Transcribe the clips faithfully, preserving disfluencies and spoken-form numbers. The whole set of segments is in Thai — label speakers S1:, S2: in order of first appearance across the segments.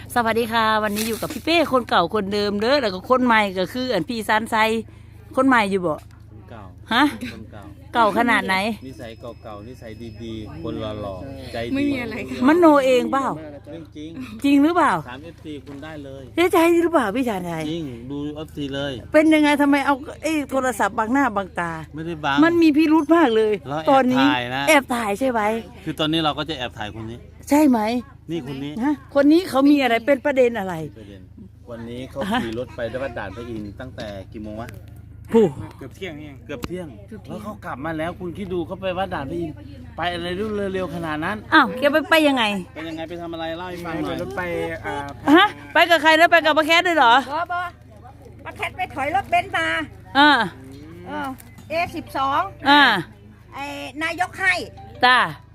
S1: สวัสดีค่ะวันนี้อยู่กับพี่เป้คนเก่าคนเดิมเด้อแล้วก็คนใหม่ก็คืออันพี่ซันไซคนใหม่อยู่บ่
S2: คนเก่า
S1: ฮะ
S2: คนเก่า
S1: เก่าขนาดไหน
S2: นิสัยเก่าๆนิสัยดีๆคนหล่อๆใจดี
S3: ไม่มีอะไรค่ะ
S1: มันโนเองเปล่า
S2: เรื่องจริง
S1: จริงหรือเปล่า
S2: ถามเอฟซีคุณได้เลย
S1: เจ๊ใจหรือเปล่าพี่ชาญชัย
S2: จริงดูเอฟซีเลย
S1: เป็นยังไงทำไมเอาไอ้โทรศัพท์บังหน้าบังตา
S2: ไม่ได้บัง
S1: มันมีพิรุธมากเลยตอนนี้แอบถ่ายใช่ไหม
S2: คือตอนนี้เราก็จะแอบถ่ายคนนี้
S1: ใช่ไหม
S2: นี่คนนี้
S1: ฮะคนนี้เขามีอะไรเป็นประเด็นอะไร
S2: ประเด็นวันนี้เขาขี่รถไปได้วัดด่านพระอินทร์ตั้งแต่กี่โมงวะ
S1: ผู้
S2: เกือบเที่ยงเองเกือบเที่ยงแล้วเขากลับมาแล้วคุณคิดดูเขาไปวัดด่านพระอินทร์ไปอะไรเร็วๆขนาดนั้น
S1: อ้าวแกไปไปยังไง
S2: ไปยังไงไปทำอะไรเล่าให้ฟังหน่อยรถไปอ่า
S1: ฮะไปกับใครแล้วไปกับป้าแคทด้วยเหรอ
S3: บ่บ่ป้าแคทไปถอยรถเบนซ์มา
S1: อ่า
S3: เอสิบสอง
S1: อ่า
S3: ไอ้นายกให้
S1: จ้าน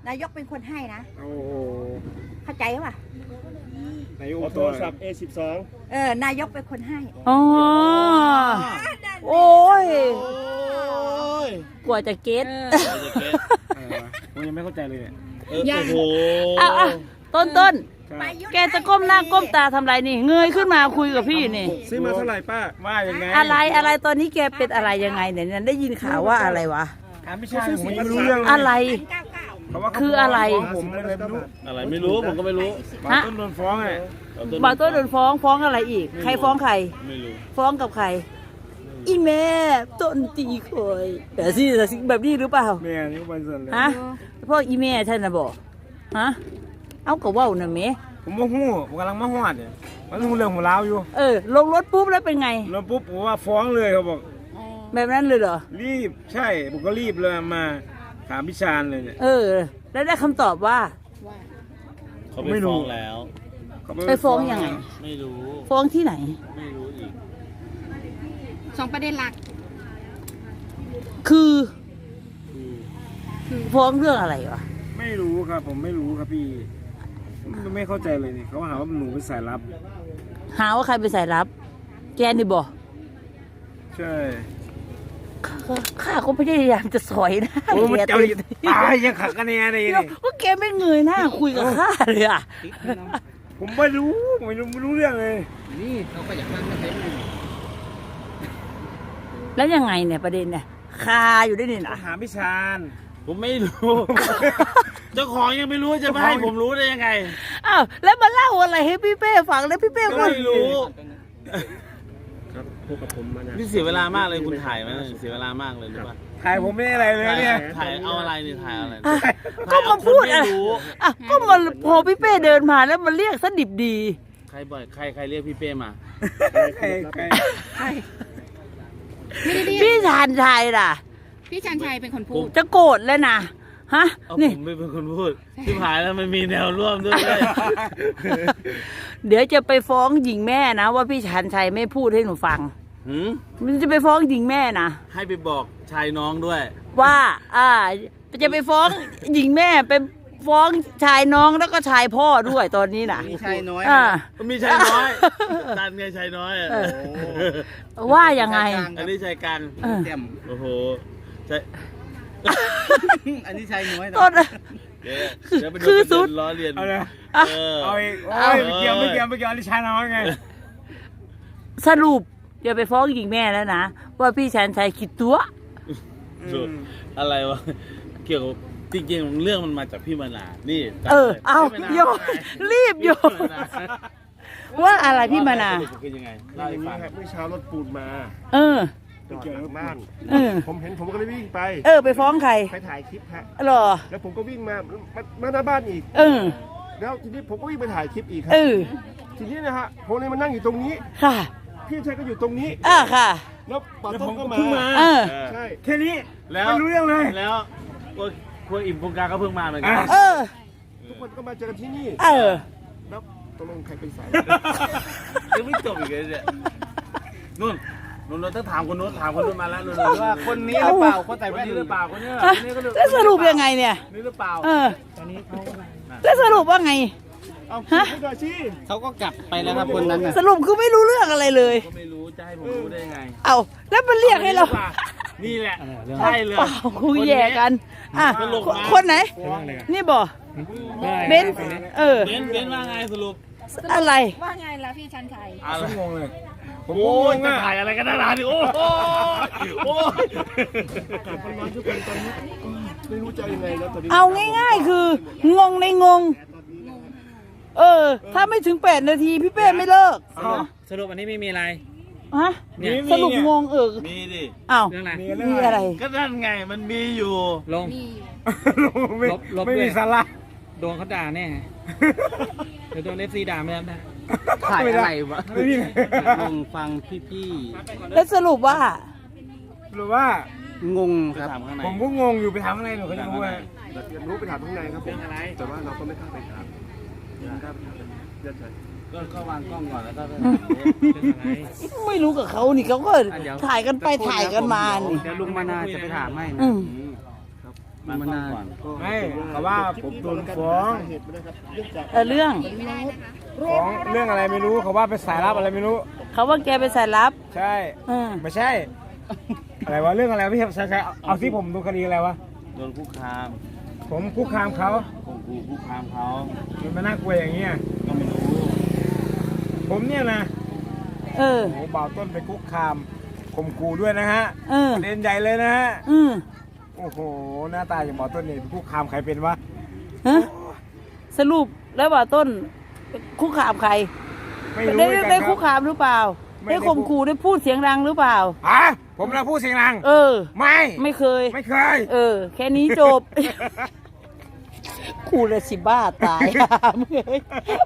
S3: ายกเป็นคนให้นะ
S4: โอ้
S3: เข้าใจป่ะ
S4: นายกโทรศัพท์ เอ สิบสอง
S3: เออนายกเป็นคนให้
S1: อ๋อโอ้ยกว่าจะเก็ต
S4: ผมยังไม่เข้าใจเลยเนี่ย
S2: โอ้โห
S1: เอาต้นต้นแกจะก้มหน้าก้มตาทำไรนี่เงยขึ้นมาคุยกับพี่นี่
S4: ซื้อมาเท่าไหร่ป้าว่ายังไง
S1: อะไรอะไรตอนนี้แกเป็นอะไรยังไงเนี่ยได้ยินข่าวว่าอะไรวะ
S4: ไม่ใช่ผมไม่รู้เรื่อง
S1: อะไรคืออะไร
S4: ผมไม่รู้
S2: อะไรไม่รู้ผมก็ไม่รู้
S4: บางต้นโดนฟ้องไง
S1: บางต้นโดนฟ้องฟ้องอะไรอีกใครฟ้องใคร
S2: ไม่รู้
S1: ฟ้องกับใครอีแม่ต้นตีคอยแต่สิแบบนี้หรือเปล่า
S4: แม่นี่วันส่วนเลย
S1: ฮะพ่ออีแม่ท่านนะบอกฮะเอากระว่าน่ะแม่
S4: ผมโมโหผมกำลังมาหอดเนี่ยมันหูเรื่องหัวล้าวอยู่
S1: เออลงรถปุ๊บแล้วเป็นไง
S4: ลงปุ๊บผมว่าฟ้องเลยเขาบอก
S1: แบบนั้นเลยเหรอ
S4: รีบใช่ผมก็รีบเลยมาถามพิชานเลยเนี่ย
S1: เออแล้วได้คำตอบว่า
S2: เขาไม่ฟ้องแล้ว
S1: ไปฟ้องยังไง
S2: ไม่รู้
S1: ฟ้องที่ไหน
S2: ไม่รู้อีก
S3: สองประเด็นหลัก
S1: คือฟ้องเรื่องอะไรวะ
S4: ไม่รู้ครับผมไม่รู้ครับพี่ไม่เข้าใจเลยนี่เขาหาว่าหนูเป็นสายลับ
S1: หาว่าใครเป็นสายลับแกนี่บอก
S4: ใช่
S1: ข้าก็ไม่ได้พยายามจะสอยนะ
S4: โอ้มันเจ้าตายยังขัดกันเนี่ยอะไรนี่
S1: ว่าแกไม่เงยหน้าคุยกับข้าเลยอ่ะ
S4: ผมไม่รู้ไม่รู้ไม่รู้เรื่องเลย
S2: นี่เขาก็อยากนั่งกันเลย
S1: แล้วยังไงเนี่ยประเด็นเนี่ยคาอยู่ได้นี่นะ
S4: หาพิชาน
S2: ผมไม่รู้เจ้าของยังไม่รู้จะไม่ให้ผมรู้ได้ยังไง
S1: อ้าวแล้วมาเล่าอะไรให้พี่เป้ฟังแล้วพี่เป้ก็
S2: ไม่รู้
S4: ครับพวกกับผมมา
S2: นี่เสียเวลามากเลยคุณถ่ายไหมเสียเวลามากเลยหรือเปล่า
S4: ถ่ายผมไม่อะไรเลยเนี่ย
S2: ถ่ายเอาอะไรนี่ถ่ายอะไร
S1: ก็มาพูดอะไรอ่ะก็มาพอพี่เป้เดินมาแล้วมาเรียกซะดิบดี
S2: ใครบ่อยใครใครเรียกพี่เป้มา
S4: ใครใครใคร
S1: พี่ชาญชัยล่ะ
S3: พี่ชาญชัยเป็นคนพูด
S1: จะโกรธแล้วนะฮะ
S2: นี่ผมไม่เป็นคนพูดที่หายแล้วมันมีแนวร่วมด้วย
S1: เดี๋ยวจะไปฟ้องหญิงแม่นะว่าพี่ชาญชัยไม่พูดให้หนูฟังมันจะไปฟ้องหญิงแม่นะ
S2: ให้ไปบอกชายน้องด้วย
S1: ว่าอ่าจะไปฟ้องหญิงแม่ไปฟ้องชายน้องแล้วก็ชายพ่อด้วยตอนนี้นะ
S2: มีชายน้อยอ่ามีชายน้อยตันไงชายน้อย
S1: ว่ายังไง
S2: อันนี้ชายกลางเต็มโอ้โหใช่อันนี้ชายน้อย
S1: ต้นคือสุด
S2: ล้อเลียน
S4: เอาเลยเอาอีกเอาไม่เกี่ยวไม่เกี่ยวไม่เกี่ยวอันนี้ชายน้อยไง
S1: สรุปอย่าไปฟ้องหญิงแม่แล้วนะว่าพี่ชาญชัยคิดตัว
S2: อะไรวะเกี่ยวกับจริงๆเรื่องมันมาจากพี่มนานี่
S1: เออเอาโยรีบโยว่าอะไรพี่มนา
S2: คือยังไงเล่าให้ฟัง
S4: เมื่อเช้ารถปูนมา
S1: เออ
S4: ไปเกี่ยวกับบ้านผมเห็นผมก็เลยวิ่งไป
S1: เออไปฟ้องใคร
S4: ไปถ่ายคลิปฮะ
S1: หรอ
S4: แล้วผมก็วิ่งมามาหน้าบ้านอีก
S1: เออ
S4: แล้วทีนี้ผมก็วิ่งไปถ่ายคลิปอีกครับ
S1: เออ
S4: ทีนี้นะฮะผมเลยมานั่งอยู่ตรงนี้
S1: ค่ะ
S4: พี่ชายก็อยู่ตรงนี้
S1: อ่าค่ะ
S4: แล้วป๋าต้นก็มา
S1: เออ
S4: ใช่แค่นี้
S2: แล้ว
S4: ไม่รู้เรื่องเลย
S2: แล้วพวกอิ่มพวกกาก็เพิ่งมาเหมือนกัน
S1: เออ
S4: ทุกคนก็มาเจอกันที่นี่
S1: เออ
S4: แล้วตกลงใครเป็นสาย
S2: ยังไม่จบอีกเลยเนี่ยนู่นนู่นเราต้องถามคนนู้นถามคนนู้นมาแล้วนู่นว่าคนนี้หรือเปล่าคนใส่แว่นหรือเปล่าคนนี้คนนี้ก็
S1: แล้วสรุปยังไงเนี่ย
S2: นี่หรือเปล่า
S1: เออตอนนี้เขาแล้วสรุปว่าไง
S4: ฮะ
S2: เขาก็กลับไปแล้วครับคนนั้น
S1: สรุปคือไม่รู้เรื่องอะไรเลย
S2: ก็ไม่รู้จะให้ผมรู้ได้ยังไง
S1: เอาแล้วมันเรียกให้เรา
S2: นี่แหละใช่เลย
S1: คุยแย่กันอ่ะคนไหนนี่บ่เบนเออ
S2: เบนเบนว่าไงสรุป
S1: อะไร
S3: ว่าไงล่ะพี่ชันชัย
S2: อะไร
S4: ผมงงเลยผม
S2: โอ้
S4: ก็ง
S2: ย
S4: ง
S2: จะ
S4: อ่ะ
S2: ถ่ายอะไรกันนานๆดิโอ้โหโอ้ย
S5: ไม่รู้จะยังไงแล้วตอนนี้
S1: เอาง่ายๆ คืองงในงง เออ ถ้าไม่ถึงแปดนาทีพี่เป้ไม่เลิก
S6: สรุปอันนี้ไม่มีอะไร
S1: ฮะ
S4: มีมี
S1: สรุปงงเออ
S2: มีดิ
S1: อ้าว
S6: เรื่องอะไร
S4: มีเรื่อง
S1: มี
S4: อะ
S1: อะไร ไร
S2: ก็นั่นไงมันมีอยู่
S6: ลง
S3: นี่
S4: ไม่
S6: ลบลบ
S4: ไม่
S6: ด้
S4: มี
S6: วย
S4: สาระ
S6: โดนเขาด่าแน่เดี๋ยวโดนเอฟซีด่าไม่ได้นะ
S4: ถ่ายอะไรวะไม่มี
S7: งงฟังพี่
S1: แล้วสรุปว่า
S4: หรือว่า
S7: ๆ งง
S2: ไป
S7: ครับ
S2: ถามข้างใน
S4: ผมก็งงอยู่ไปถามข้างในหนูเขาจะรู้ว่า
S5: อยากรู้ไปถามข้างในครับผมแต่ว่าเราก็ไม่กล้าไปถามไม่กล้าไปถามยันใจ
S2: ก็ก็วางกล้องก่อนแล้วก็ไป
S6: เรื่องอะไร
S1: ไม่รู้กับเขานี่เขาก็ถ่ายกันไปถ่ายกันมานี่
S7: เดี๋ยวลุงมานาจะไปถามให้นะ
S1: อืม
S2: วางกล้องก่อน
S4: ไม่เขาว่าผมโดนฟ้อง
S5: เหตุนะครับเนื่องจาก
S1: เออเรื่อง
S4: ฟ้องเรื่องอะไรไม่รู้เขาว่าไปสายลับอะไรไม่รู้
S1: เขาว่าแกไปสายลับ
S4: ใช่
S1: เออ
S4: ไม่ใช่ อะไรวะเรื่องอะไรวะพี่ใช่ใช่เอาเอาที่ผมดูคดีอะไรวะ
S2: โดนคุกคาม
S4: ผมคุกคามเขา
S2: ข่มขู่คุกคามเขา
S4: มันมาน่ากลัวอย่างเงี้ย
S2: ก็ไม่รู้
S4: ผมเนี่ยนะ
S1: เออ
S4: โอ้โหบ่าวต้นไปคุกคามข่มขู่ด้วยนะฮะ
S1: เออ
S4: ประเด็นใหญ่เลยนะฮะ
S1: อืม
S4: โอ้โหหน้าตาอย่างบ่าวต้นนี่ไปคุกคามใครเป็นวะ
S1: ฮะสรุปแล้วว่าต้นคุกคามใคร
S4: ไม่รู้
S1: ได้
S4: เหมือนกัน
S1: ได้
S4: ค
S1: คุ
S4: รับ
S1: กคามหรือเปล่า
S4: ไม่
S1: ได้
S4: ได้
S1: ข่มขู่ได้พูดเสียงดังหรือเปล่า
S4: ฮะผมนะพูดเสียงดัง
S1: เออ
S4: ไม่
S1: ไม่เคย
S4: ไม่เคย
S1: เออ แค่นี้จบ กูเลยสิบ้าตาย มึงเอ้ย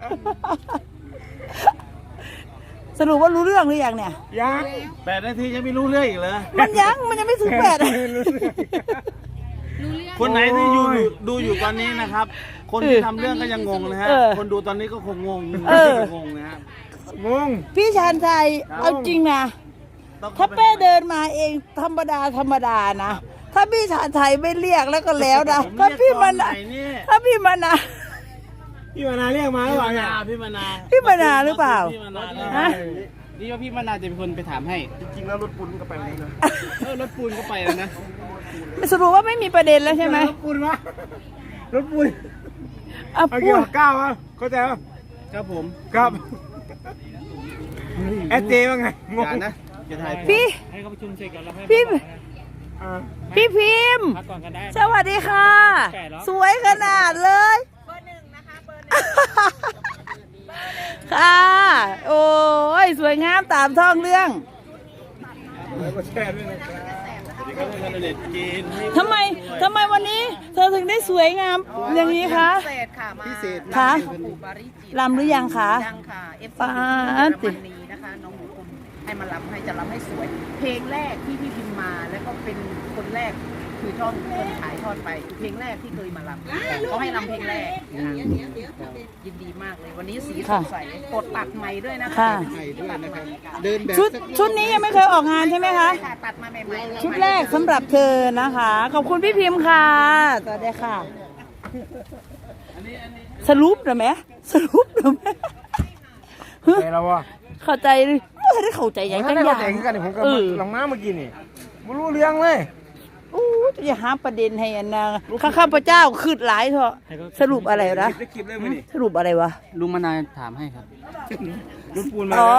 S1: สรุปว่ารู้เรื่องหรือยังเนี่ย
S4: ยัง
S2: แปดนาทียังไม่รู้เรื่องอีกเหรอ
S1: มันยังมันยังไม่ถึงแปด
S4: ไม่รู้เรื่อง
S2: คนไหนที่อยู่อยู่ดูอยู่ตอนนี้นะครับ คนที่ทำเรื่องก็ยังงงนะฮะ
S1: เออ
S2: คนดูตอนนี้ก็คงงง
S1: เออ
S2: งงนะฮะ
S4: งง
S1: พี่ชานชัยเอาจริงนะ
S2: ต้อง
S1: ถ้าเป้เดินมาเองธรรมดาธรรมดานะ ถ้าพี่ชานชัยไม่เรียกแล้วก็แล้วนะ
S2: ผม
S1: ถ้า
S2: เรียก
S1: พี่
S2: ตอ
S1: มาน
S2: ไหน
S1: นะ
S2: เนี่ย
S1: ถ้าพี่มานะ
S4: พี่มานาเรียกมาหรือ
S2: พี่
S4: เปล่า
S2: มา
S4: เนี่ย
S2: นาพี่มานา
S1: พี่มานาหรือเปล่า
S2: พี่มานา
S1: ฮะ
S7: นี่ว่าพี่มานาจะเป็นคนไปถามให้
S5: จริงๆแล้วรถปุนก็ไปแล้วนะ
S7: เออรถปูนก็ไปแล้วนะ
S1: สรุปว่าไม่มีประเด็นแล้วใช่ไหม
S4: รถปูนวะรถปูน
S1: เอา
S4: เอา
S1: พู
S4: เกี่ยว
S1: ด
S4: กับก้าววะเข้าใจปะ
S7: ครับผม
S4: ครับแอดเจว่าไงง
S7: อง ย่านะจะถ่าย
S1: พี่
S6: ให้เขาประชุมเสร็จก่อนแล้วให้
S1: พี่
S4: อ่า
S1: พี่พิมพ์
S6: พักก่อนกันได้
S1: สวัสดีค่ะ
S6: แปดเหรอ
S1: สวยขนาดเลยเบอร์หนึ่งนะคะเบอร์หนึ่งค่ะ โอ้ย สวยงามตามท้องเรื่อง
S4: แล้วก็แชร์ด้วยนะครับ
S2: ก็เป็นเด็ดกินให้
S1: ทำไมทำไมวันนี้ เธอถึงได้สวยงามอย่างนี้คะ
S8: พิเศษค่ะมา
S5: พิเศษ
S1: คะ
S8: หลวงปู่ปาริจิต
S1: ลำหรือยังคะ
S8: ยังค่ะเอฟ
S1: ปา
S8: ซี
S1: ด
S8: เยอรมนีนะคะน้องหมูคุณให้มาลำให้จะลำให้สวย เพลงแรกที่พี่พิมพ์มาแล้วก็เป็นคนแรกคือท่อนคนขายทอดไปคือเพลงแรกที่เคยมาลำเขาให้ลำเพลงแรกค่ะยินดีมากเลยวันนี้สีสดใสกดตัดใหม่ด้วยนะคะ
S1: ค่ะ
S5: ใหม่ด้วยนะครับ เดินแบบ
S1: ชุดชุดนี้ยังไม่เคยออกงานใช่ไหมคะ
S8: ใช่ค่ะตัดมาใหม่ๆ
S1: ชุดแรกสำหรับเธอนะคะ ขอบคุณพี่พิมพ์ค่ะสวัสดีค่ะ สรุปหรือไหมสรุปหรือไหม
S4: ใจแล้ววะ
S1: เข้าใจเลยไม่ได้เข้าใจอย่าง
S4: ถ้า
S1: จัง
S4: ได้
S1: อ
S4: เข้า
S1: ย่าง
S4: ใจคือกันนี่ผมก็
S1: เออ
S4: ลองมาเมื่อกี้นี่ไม่รู้เรื่องเลย
S1: โอ้จะหาประเด็นให้อันนะข้าข้าพเจ้าคืดหลายเถอะสรุปอะไรนะ
S4: ได้คลิปเลยมั้ยนี่
S1: สรุปอะไรวะ
S7: ลุงมานาถามให้ครับ
S4: รถปูนมา
S1: อ๋อ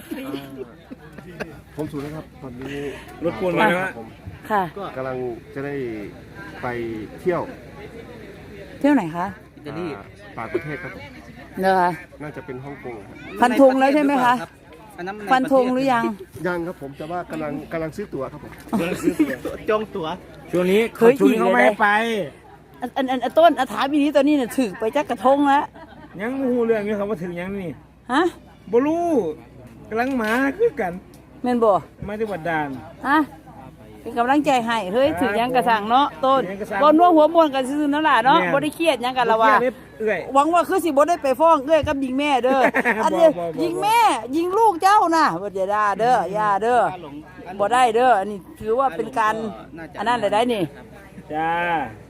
S5: ผมสูนนะครับ ตอนนี้
S4: รถปูนมาแล้ว
S5: ผม
S1: ค่ะ
S5: กำลังจะได้ไปเที่ยว
S1: เที่ยวไหนคะ
S7: อิตาลี
S5: อ่าต่างประเทศครับผม
S1: เนอะคะ
S5: น่าจะเป็นฮ่องกงครับ
S1: ฟันธงแล้วใช่ไหมคะ
S7: อันนั้นมั
S1: ฟันธงหรือยัง
S5: ยังครับผมแต่ว่ากำลังกำลังซื้อตั๋วครับผม
S7: จองตั๋ว
S4: ช่วงนี้
S1: เคย
S4: ช่วงนี้เขาไม่ให้ไป
S1: อันอันอันอันต้นอันถามอีนี้ตอนนี้เนี่ยถึกไปจักกระทงแล้ว
S4: ยังมูเรื่องนี้เขามาถึงยังนี่
S1: ฮะ
S4: บลูกำลังมาคือกัน
S1: แม่นบ่
S4: มาที่วัดดาน
S1: ฮะเป็นกำลังใจให้เฮ้ยถึงยังกระสังเนาะต้น
S4: ถึงยังกระสัง
S1: บนนัวหัวมวนกันซื่อๆนั่นแหละเนาะ
S4: แม่น
S1: บ่ได้เครียดหยังกันละว่า
S4: เอื้อย
S1: หวังว่าคือสิบ่ได้ไปฟ้องเอ้ยกับยิงแม่เด้อ อันนี้
S4: บ่บ่บ่
S1: ยิงแม่ ยิงลูกเจ้าน่ะบ่ได้ด่าเด้ออย่าเด้อบ่ได้เด้ออันนี้ถือว่าเป็นการอันนั้นได้ได้นี่
S4: จ้า